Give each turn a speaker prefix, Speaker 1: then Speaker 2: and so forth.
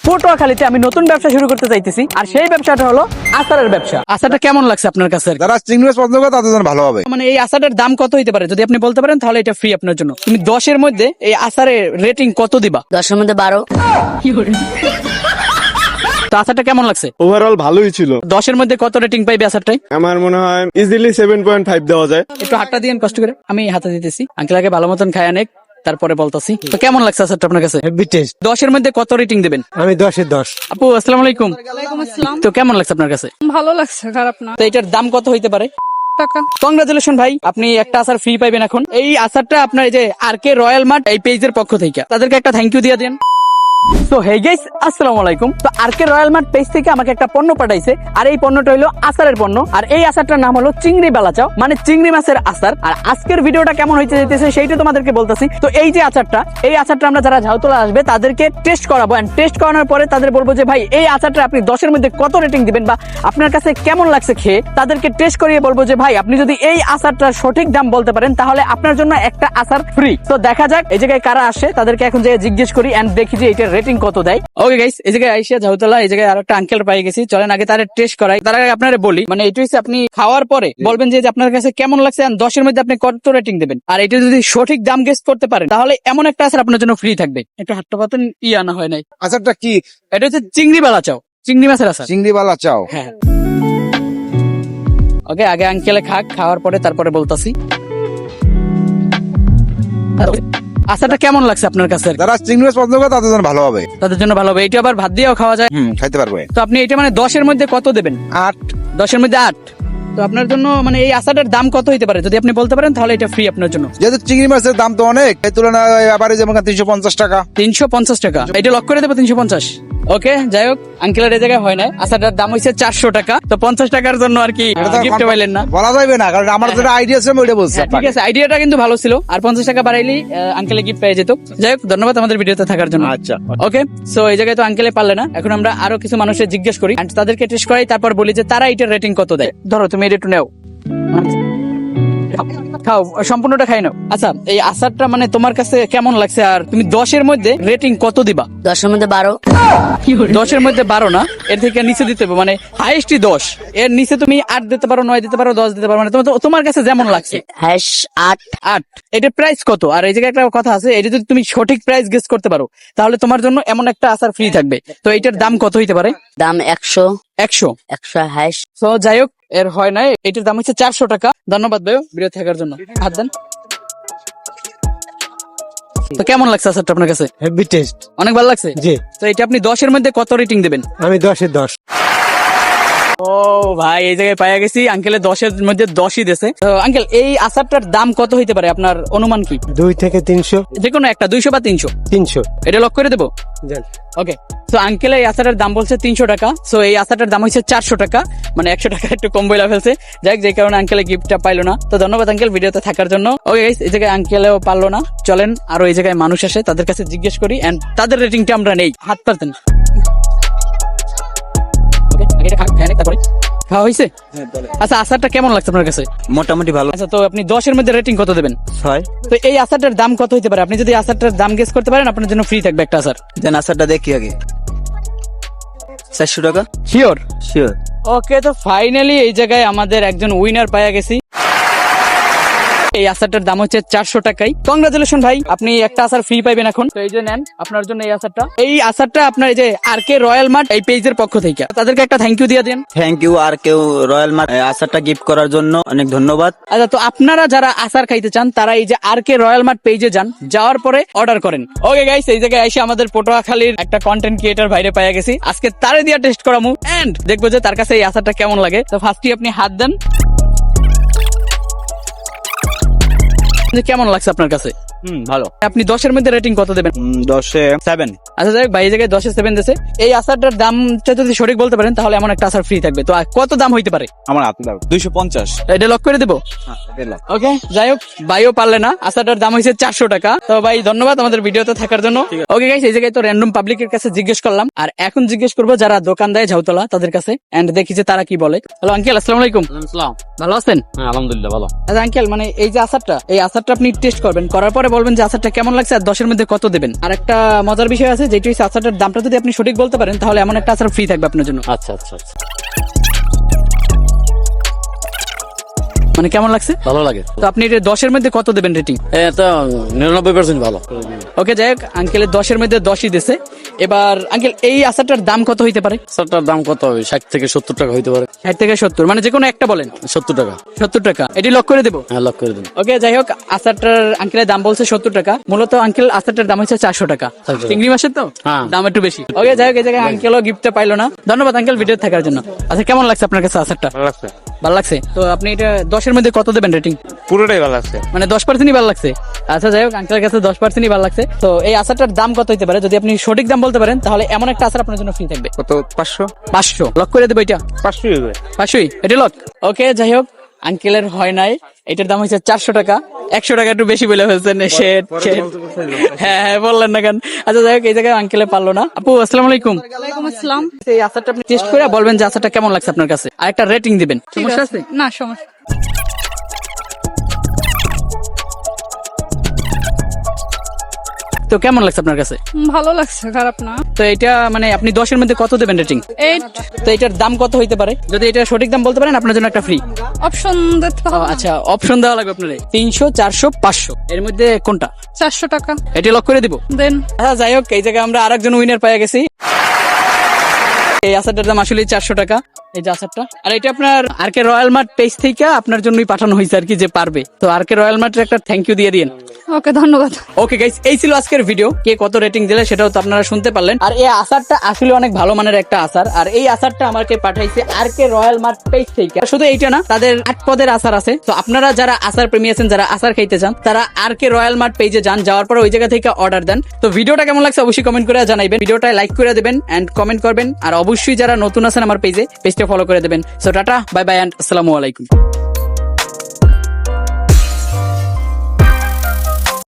Speaker 1: পটুয়াখালীতে আমি নতুন ব্যবসা শুরু করতে চাইতেছি, আর সেই ব্যবসাটা হলো আচারের ব্যবসা। আচারটা কেমন লাগছে আপনার কাছে?
Speaker 2: যারা চিংড়ি মাছ পছন্দ করে তাদের জন্য ভালো হবে।
Speaker 1: মানে এই আচারটার দাম কত হইতে পারে যদি আপনি বলতে পারেন, তাহলে এটা ফ্রি আপনার জন্য। তুমি 10-এর মধ্যে এই আচারের রেটিং কত দিবা?
Speaker 3: 10-এর মধ্যে 12।
Speaker 1: তো আচারটা কেমন লাগছে?
Speaker 4: ওভারঅল ভালোই ছিল।
Speaker 1: 10-এর মধ্যে কত রেটিং পাইবে আচারটাই?
Speaker 4: আমার মনে হয় ইজিলি 7.5 দেওয়া যায়।
Speaker 1: একটু হাতটা দিয়েন কষ্ট করে, আমি হাতে দিতেছি। আঙ্কেল আগে ভালো মতন খায় অনেক, তারপরে বলতাছি। তো কেমন লাগছে আচারটা আপনার কাছে?
Speaker 5: Heavy test.
Speaker 1: 10-এর মধ্যে কত রেটিং দিবেন?
Speaker 5: আমি 10-এর 10।
Speaker 1: আপু আসসালামু আলাইকুম।
Speaker 6: ওয়ালাইকুম আসসালাম।
Speaker 1: তো কেমন লাগছে আপনার কাছে?
Speaker 6: ভালো লাগছে, খারাপ না।
Speaker 1: তো এটার দাম কত হইতে পারে?
Speaker 6: টাকা।
Speaker 1: কংগ্রাচুলেশন ভাই, আপনি একটা আচার ফ্রি পাইবেন এখন। এই আচারটা আপনার এই যে আরকে রয়্যাল মার্ট এই পেজের পক্ষ থেকে, তাদেরকে একটা থ্যাংক ইউ দিয়ে দেন। তো হে গাইস, আসসালামু আলাইকুম। তো আরকে রয়্যাল মার্ট পেজ থেকে আমাকে একটা পণ্য পাঠাইছে, আর এই পণ্যটা হলো আচারের পণ্য। আর এই আচারটার নাম হলো চিংড়ি বালাচাও, মানে চিংড়ি মাছের আচার। আর আজকের ভিডিওটা কেমন হইতে যেতেছে সেইটা তোমাদেরকে বলতেছি। তো এই যে আচারটা, এই আচারটা আমরা যারা ঝাউতলা আসবে তাদেরকে টেস্ট করাবো, এন্ড টেস্ট করানোর পরে তাদের বলবো যে ভাই এই আচারটা আপনি 10-এর মধ্যে কত রেটিং দিবেন, বা আপনার কাছে কেমন লাগছে খেয়ে। তাদেরকে টেস্ট করিয়ে বলবো যে ভাই আপনি যদি এই আচারটার সঠিক দাম বলতে পারেন তাহলে আপনার জন্য একটা আচার ফ্রি। তো দেখা যাক এই জায়গায় কারা আসে, তাদেরকে এখন যে জিজ্ঞেস করি এন্ড দেখি যে এটার রেটিং কত দেয়। ওকে গাইস, এই জায়গায় আইসা ঝাউতলা, এই জায়গায় আরেকটা আঙ্কেল পাই গেছি। চলেন আগে তার টেস্ট করাই। তার আগে আপনারা বলি, মানে এটা হচ্ছে আপনি খাওয়ার পরে বলবেন যে আপনার কাছে কেমন লাগছে, এন্ড 10-এর মধ্যে আপনি কত রেটিং দেবেন। আর এটা যদি সঠিক দাম গেস করতে পারেন তাহলে এমন একটা আচার আপনার জন্য ফ্রি থাকবে। একটু হাতটা পাতন আনা হয় নাই।
Speaker 2: আচারটা কি?
Speaker 1: এটা হচ্ছে চিংড়ি বালাচাও, চিংড়ি মাছের আচার।
Speaker 2: চিংড়ি বালা চাও।
Speaker 1: হ্যাঁ। ওকে, আগে আঙ্কেলে খাক, খাওয়ার পরে তারপরে বলতাছি। আচারটা কেমন লাগছে আপনার কাছে?
Speaker 2: যারা চিংড়ি মাছ পছন্দ করে তাদের জন্য ভালো হবে।
Speaker 1: তাদের জন্য ভালো হবে। এটা আবার ভাত দিয়েও খাওয়া যায়।
Speaker 2: খাইতে পারবে।
Speaker 1: তো আপনি এটা মানে 10-এর মধ্যে কত দেবেন?
Speaker 2: 8।
Speaker 1: 10-এর মধ্যে 8। তো আপনার জন্য মানে এই আচারটার দাম কত হইতে পারে যদি আপনি বলতে পারেন, তাহলে এটা ফ্রি আপনার জন্য।
Speaker 2: যেহেতু চিংড়ি মাছের দাম তো অনেক, এই তুলনায় আবারে যেমন 350 টাকা।
Speaker 1: 350 টাকা। এটা লক করে দেবো 350। ওকে, যাই হোক, আঙ্কেলের এই জায়গায় হয় না। আচারটার দাম হচ্ছে 400 টাকা। তো 50 টাকার জন্য আর কি গিফট পাইলেন না।
Speaker 2: বলা যাবে না, কারণ আমার যেটা আইডিয়া ছিল আমি ওইটা বলছি।
Speaker 1: হ্যাঁ, ঠিক আছে, আইডিয়াটা কিন্তু ভালো ছিল। আর 50 টাকা বাড়াইলেই আঙ্কেলে গিফট পেয়ে যেত। যাই হোক, ধন্যবাদ আমাদের ভিডিওতে থাকার জন্য।
Speaker 2: আচ্ছা,
Speaker 1: ওকে, সো এই জায়গায় তো আঙ্কেলে পারলে না। এখন আমরা আরো কিছু মানুষের জিজ্ঞেস করি, and তাদেরকে টেস্ট করাই, তারপর বলি যে তারা এটার রেটিং কত দেয়। ধরো তুমি এটা একটু নেও, খাও, সম্পূর্ণটা খাই নাও। আচ্ছা, এই আচারটা মানে তোমার কাছে কেমন লাগছে, আর তুমি 10-এর মধ্যে রেটিং কত দিবা?
Speaker 3: 10-এর মধ্যে 12।
Speaker 1: 10-এর মধ্যে 12 না, এর থেকে নিচে দিতে হবে, মানে হাইয়েস্টই 10। এর নিচে তুমি 8 দিতে পারো, 9 দিতে পারো, 10 দিতে পারো, মানে তোমার কাছে যেমন লাগছে।
Speaker 3: 8।
Speaker 1: 8। এটার প্রাইস কত? আর এই জায়গায় একটা কথা আছে, এটা যদি তুমি সঠিক প্রাইস গেস করতে পারো তাহলে তোমার জন্য এমন একটা আচার ফ্রি থাকবে। তো এটার দাম কত হইতে পারে?
Speaker 3: দাম 100।
Speaker 1: 100।
Speaker 3: 100
Speaker 1: তো যাই হোক, এর হয় নাই। এটার দাম হচ্ছে 400 টাকা। ধন্যবাদ ভাই ভিডিও থাকার জন্য। হাত দেন। তো কেমন লাগছে আচারটা আপনার কাছে?
Speaker 5: Heavy taste.
Speaker 1: অনেক ভালো লাগছে।
Speaker 5: জি।
Speaker 1: তো এটা আপনি 10-এর মধ্যে কত রেটিং দেবেন?
Speaker 5: আমি 10-এর 10।
Speaker 1: ও ভাই, এই জায়গায় পাইয়া গেছি আঙ্কেলে 10-এর মধ্যে 10ই দিয়েছে। তো আঙ্কেল, এই আচারটার দাম কত হইতে পারে আপনার অনুমান কি?
Speaker 5: 2 থেকে 300।
Speaker 1: যে কোনো একটা, 200 বা 300।
Speaker 5: 300।
Speaker 1: এটা লক করে দেবো।
Speaker 5: জান।
Speaker 1: ওকে, তো আঙ্কেল এই আচারের দাম বলছে 300 টাকা। সো এই আচারটার দাম হচ্ছে 400 টাকা, মানে 100 টাকা একটু কম বইলা ফেলছে। যাই হোক, যে কারণে আঙ্কেলে গিফটটা পাইলো না। তো ধন্যবাদ আঙ্কেল ভিডিওতে থাকার জন্য। ওকে গাইস, এই জায়গায় আঙ্কেলেও পারলো না। চলেন আরো এই জায়গায় মানুষ আসে, তাদের কাছে জিজ্ঞেস করি, এন্ড তাদের রেটিংটা আমরা নেই। হাত পারতেন। ওকে, আগে এটা খাওয়া তারপরে খাওয়া হয়েছে। আচ্ছা, আচারটা কেমন লাগছে আপনার কাছে?
Speaker 5: মোটামুটি ভালো।
Speaker 1: আচ্ছা, তো আপনি 10-এর মধ্যে রেটিং কত দেবেন?
Speaker 5: 6।
Speaker 1: তো এই আচারটার দাম কত হতে পারে? আপনি যদি আচারটার দাম গেস করতে পারেন আপনার জন্য ফ্রি থাকবে একটা আচার।
Speaker 5: দেন আচারটা দেখি আগে। 400 টাকা।
Speaker 1: শিওর?
Speaker 5: শিওর।
Speaker 1: ওকে, তো ফাইনালি এই জায়গায় আমাদের একজন উইনার পাওয়া গেছি। এই আচারটার দাম হচ্ছে 400 টাকাই। কংগ্রাচুলেশন ভাই, আপনি একটা আচার ফ্রি পাইবেন এখন। তো এই যে নেন আপনার জন্য এই আচারটা। এই আচারটা আপনার এই যে আরকে রয়্যাল মার্ট এই পেজের পক্ষ থেকে, তাদেরকে একটা থ্যাংক ইউ দিয়ে দেন।
Speaker 7: থ্যাংক ইউ আর কেউ রয়্যাল মার্ট আচারটা গিফট করার জন্য অনেক ধন্যবাদ।
Speaker 1: আচ্ছা, তো আপনারা যারা আচার খাইতে চান তারা এই যে আরকে রয়্যাল মার্ট পেজে যান, যাওয়ার পরে অর্ডার করেন। ওকে গাইস, এই জায়গায় এসে আমাদের পটুয়াখালীর একটা কন্টেন্ট ক্রিয়েটর ভাইরে পাইয়া গেছি। আজকে তারে দিয়া টেস্ট করামু এন্ড দেখবো যে তার কাছে এই আচারটা কেমন লাগে। তো ফার্স্টই আপনি হাত দেন। কেমন লাগছে আপনার কাছে?
Speaker 7: ভালো।
Speaker 1: আপনি 10-এর মধ্যে রেটিং কত দেবেন?
Speaker 7: 10-এ 7।
Speaker 1: আচ্ছা, যাই হোক, ভাই এই জায়গায় 10-এ 7 দিয়েছে। এই আচারটার দামটা যদি সঠিক বলতে পারেন তাহলে এমন একটা আচার ফ্রি থাকবে। তো কত দাম হইতে পারে?
Speaker 7: আমার হাতে দাও। 250।
Speaker 1: এটা লক করে দেবো। ওকে, যাই হোক, ভাইও পারলে না। আচারটার দাম হয়েছে 400 টাকা। তো ভাই ধন্যবাদ আমাদের ভিডিওতে থাকার জন্য। ওকে গাইস, এই জায়গায় তো র্যান্ডম পাবলিকের কাছে জিজ্ঞেস করলাম, আর এখন জিজ্ঞেস করবো যারা দোকান দেয় ঝাউতলা তাদের কাছে, এন্ড দেখি যে তারা কি বলে। হ্যালো আঙ্কেল, আসসালামু আলাইকুম। ভালো আছেন?
Speaker 7: হ্যাঁ, আলহামদুলিল্লাহ ভালো।
Speaker 1: আচ্ছা আঙ্কেল, মানে এই যে আচারটা, এই আচারটা আচারটা আপনি টেস্ট করবেন, করার পরে বলবেন যে আচারটা কেমন লাগছে আর 10-এর মধ্যে কত দেবেন। আর একটা মজার বিষয় আছে, যেটি হচ্ছে আচারটার দামটা যদি আপনি সঠিক বলতে পারেন তাহলে এমন একটা আচার ফ্রি থাকবে আপনার জন্য।
Speaker 8: আচ্ছা আচ্ছা আচ্ছা,
Speaker 1: মানে কেমন লাগছে?
Speaker 8: ভালো লাগে।
Speaker 1: তো আপনি এটা 10-এর মধ্যে কত দেবেন রেটিং?
Speaker 8: এটা 99% ভালো।
Speaker 1: ওকে, যাই হোক, আঙ্কেলের 10-এর মধ্যে 10ই দিছে। এবার আঙ্কেল, এই আচারটার দাম কত হইতে পারে?
Speaker 8: আচারটার দাম কত হবে? 60 থেকে 70 টাকা হইতে পারে।
Speaker 1: 60 থেকে 70, মানে যে কোনো একটা বলেন।
Speaker 8: 70 টাকা।
Speaker 1: 70 টাকা, এটি লক করে দেবো।
Speaker 8: হ্যাঁ, লক করে দিন।
Speaker 1: ওকে, যাই হোক, আচারটার আঙ্কেলের দাম বলছে 70 টাকা। মূলত আঙ্কেল আচারটার দাম হচ্ছে 400 টাকা।
Speaker 8: 400 টাকা।
Speaker 1: চিংড়ি মাছের তো
Speaker 8: হ্যাঁ।
Speaker 1: দাম একটু বেশি। ওকে, যাই হোক, এই জায়গায় আঙ্কেলও গিফটটা পাইলো না। ধন্যবাদ আঙ্কেল ভিডিও থাকার জন্য। আচ্ছা, কেমন লাগছে আপনার কাছে আচারটা? ভালো লাগছে। তো আপনি এটা 10-এর মধ্যে কত দেবেন রেটিং?
Speaker 2: পুরোটাই ভালো আছে।
Speaker 1: মানে 10%ই ভালো লাগছে। আচ্ছা, যাই হোক, আঙ্কেলের কাছে 10%ই ভালো লাগছে। তো এই আচারটার দাম কত হতে পারে? যদি আপনি সঠিক দাম বলতে পারেন তাহলে এমন একটা আচার আপনার জন্য ফ্রি থাকবে।
Speaker 2: কত? 500।
Speaker 1: 500 লক করে দেবো এটা।
Speaker 2: 500 হবে।
Speaker 1: 500ই এটা লক। ওকে, যাই হোক, আঙ্কেলের হয় নাই, এটার দাম হচ্ছে 400 টাকা। 100 টাকা একটু বেশি বলে ফেলছেন। হ্যাঁ, বললেন না কেন? আচ্ছা, যাই হোক, এই জায়গায় আঙ্কেলে পারলো না। আপু, আসসালামু আলাইকুম।
Speaker 6: ওয়ালাইকুম আসসালাম।
Speaker 1: এই আচারটা আপনি টেস্ট করে বলবেন যে আচারটা কেমন লাগছে আপনার কাছে, আর একটা রেটিং দিবেন।
Speaker 6: ঠিক
Speaker 1: সমস্যা
Speaker 6: আছে।
Speaker 1: আছে?
Speaker 6: না, সমস্যা।
Speaker 1: তো কেমন লাগছে আপনার কাছে?
Speaker 6: ভালো লাগছে, খারাপ না।
Speaker 1: তো এটা মানে আপনি 10-এর মধ্যে কত দেবেন রেটিং?
Speaker 6: 8
Speaker 1: তো এটার দাম কত হইতে পারে? যদি এটা সঠিক দাম বলতে পারেন আপনার জন্য একটা ফ্রি।
Speaker 6: অপশন দিতে হবে।
Speaker 1: আচ্ছা, অপশন দেওয়া লাগবে আপনার। 300, 400, 500 এর মধ্যে কোনটা?
Speaker 6: 400 টাকা
Speaker 1: এটা লক করে দিব।
Speaker 6: দেন।
Speaker 1: আচ্ছা, যাই হোক, এই জায়গায় আমরা আরেকজন উইনার পেয়ে গেছি। এই আচারটার দাম আসলে 400 টাকা। এই যে আচারটা, আর এটা আপনার আরকে রয়্যাল মার্ট পেজ থেকে আপনার জন্যই পাঠানো হয়েছে আর কি, যে পারবে। তো আরকে রয়্যাল মার্টের একটা থ্যাংক ইউ দিয়ে দিন।
Speaker 6: ওকে, ধন্যবাদ।
Speaker 1: ওকে গাইস, এই ছিল আজকের ভিডিও। কে কত রেটিং দিলে সেটাও তো আপনারা শুনতে পারলেন। আর এই আচারটা আসলে অনেক ভালো মানের একটা আচার। আর এই আচারটা আমাকে পাঠাইছে আরকে রয়্যাল মার্ট পেজ থেকে। শুধু এইটা না, তাদের 8 পদের আচার আছে। তো আপনারা যারা আচার প্রেমী আছেন, যারা আচার খাইতে চান, তারা আরকে রয়্যাল মার্ট পেজে যান, যাওয়ার পর ওই জায়গা থেকে অর্ডার দেন। তো ভিডিওটা কেমন লাগছে অবশ্যই কমেন্ট করে জানাইবেন। ভিডিওটা লাইক করে দেবেন এন্ড কমেন্ট করবেন। আর অবশ্যই যারা নতুন আছেন আমার পেজটা ফলো করে দেবেন। So tata, bye bye and আসসালামু আলাইকুম।